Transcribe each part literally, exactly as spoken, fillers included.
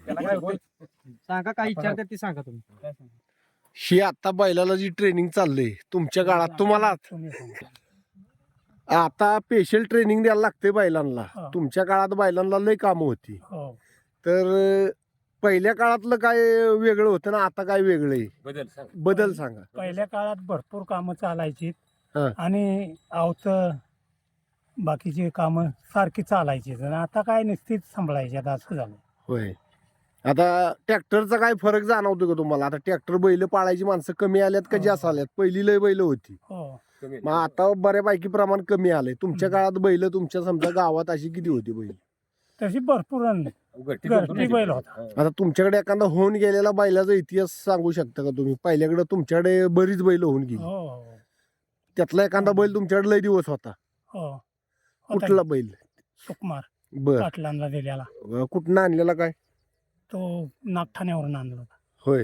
सांगा काय विचारतात ते सांगा तुम्ही. ही आता बैलाला जी ट्रेनिंग चाललंय तुमच्या काळात तुम्हाला आता स्पेशल ट्रेनिंग द्यायला लागते बैलांना. तुमच्या काळात बैलांना लय कामं होती. तर पहिल्या काळातलं काय वेगळं होतं ना आता काय वेगळं आहे? बदल सांग. बदल सांगा. पहिल्या काळात भरपूर कामं चालायची हा. आणि आवत बाकीची कामं सारखी चालायची. आणि आता काय नुसतीच सांभाळायची आता असं झालं. होय. आता ट्रॅक्टरचा काय फरक जाणवतो का तुम्हाला? आता ट्रॅक्टर बैल पाळायची माणसं कमी आल्यात का जास्त आल्यात? पहिली लय बैल होती, हो मग आता बऱ्यापैकी प्रमाण कमी आलंय. तुमच्या काळात बैल तुमच्या समजा गावात अशी किती होती बैल? तशी भरपूर घरटी घरटी बैल होता. आता तुमच्याकडे एखादा होऊन गेलेला बैलाचा इतिहास सांगू शकता का तुम्ही? पहिल्याकडे तुमच्याकडे बरीच बैल होऊन गेली, हो हो त्यातला एखादा बैल तुमच्याकडे लय दिवस होता, हो कुठला बैल? सुकुमार बर, पाटलांना दिलेला. कुठनं आणलेला काय? तो नागठाण्यावरून आणला होता. होय.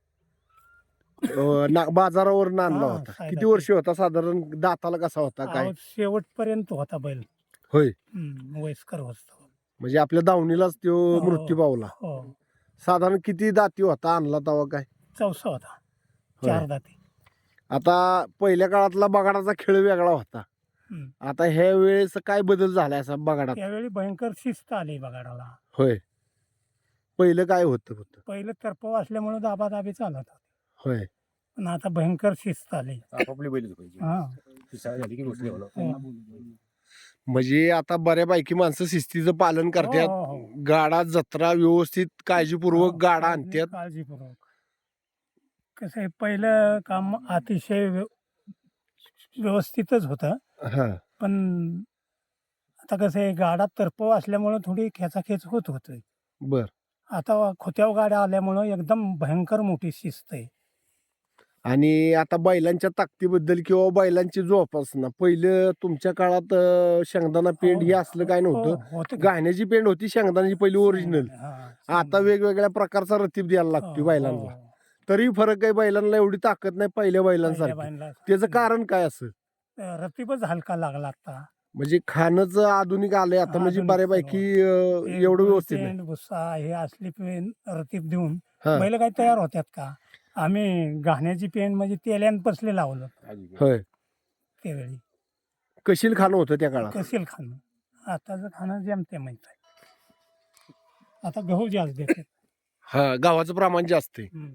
अं, ना- बाजारावरून आणला हा, होता. सायदा किती वर्ष होता साधारण? दाताला कसा होता काय? अहो, शेवटपर्यंत होता बैल. होय. हम्म, वयस्कर होता. म्हणजे आपल्या दावणीलाच तो हो. मृत्यू पावला. हो साधारण किती दाती होता आणला तेव्हा काय? चौसा होता, होय. चार दाती. आता पहिल्या काळातला बगाडाचा खेळ वेगळा होता. हम्म. आता ह्या वेळेस काय बदल झालाय असा बगाडात? त्यावेळी भयंकर शिस्त आली बगाडाला. होय. पहिलं काय होतं होतं? पहिलं तरपव असल्यामुळे दाबादाबी चालत होती. होय. पण आता भयंकर शिस्त आली. आपापली बैल पाहिजे. हा ती सहा झाली की गोष्टी हो. म्हणजे आता बऱ्यापैकी माणसं शिस्तीचं पालन हो, करतात. हो, हो. गाडा जत्रा व्यवस्थित काळजीपूर्वक हो, गाडा काळजी- आणतात. काळजीपूर्वक. कसं आहे पहिलं काम अतिशय व्यव- व्यवस्थितच होतं. हा. पण आता कसं आहे गाडा तरपव असल्यामुळं थोडी खेचाखेच होत होती. बर. आता खोत्याव गाड्या आल्यामुळं एकदम भयंकर मोठी शिस्त आहे. आणि आता बैलांच्या ताकदीबद्दल किंवा बैलांची जोपासना, पहिलं तुमच्या काळात अं, शेंगदाणा पेंड हे असलं काय हो, नव्हतं. होतं की. गाण्याची पेंड होती, शेंगदाण्याची पहिली ओरिजिनल. हा, आता वेगवेगळ्या प्रकारचा रतीब द्यायला लागतो हो, बैलांना. हो. तरी फरक आहे, बैलांना एवढी ताकद नाही पहिल्या पहिल्या बैलांसारखी. बैलाला त्याचं कारण काय असं? रतीबच हलका लागला आता. म्हणजे खाणंच आधुनिक आलंय आता, म्हणजे आधुनिक बऱ्यापैकी अं, ते एवढं व्यवस्थित पेंड, नाही. भुस्सा हे असली पेन रतीब देऊन हा. बैल काही तयार होत्यात का? आम्ही घाण्याची पेंड म्हणजे तेल्यान पसले लावलं होय. त्यावेळी. कशील खाणं होतं त्या काळात. कसेल खाणं. आताचं खाणं जमते माहित आहे. आता गहू जास्त देते. हा, गावाचं प्रमाण जास्त आहे.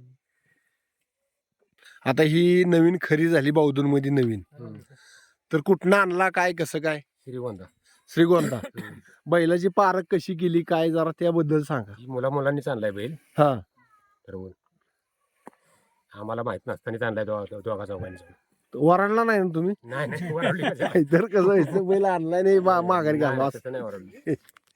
आता ही नवीन खरी झाली बावधन मध्ये नवीन, तर कुठनं आणला काय कसं काय? श्रीगोंदा श्रीगोंदा. बैलाची पारख कशी केली काय जरा त्याबद्दल सांगा. मुला मुलांनीच आणलाय बैल. हा. ठरवून आम्हाला माहित नसताना आणलाय दो- दोघा चौघांनी. वराडला नाही ना तुम्ही? नाही नाही वरवली का? तर कसं व्हायचं, बैल आणलाय नाही मा- माघारी नाही, घालवा. तसं नाही वरवली.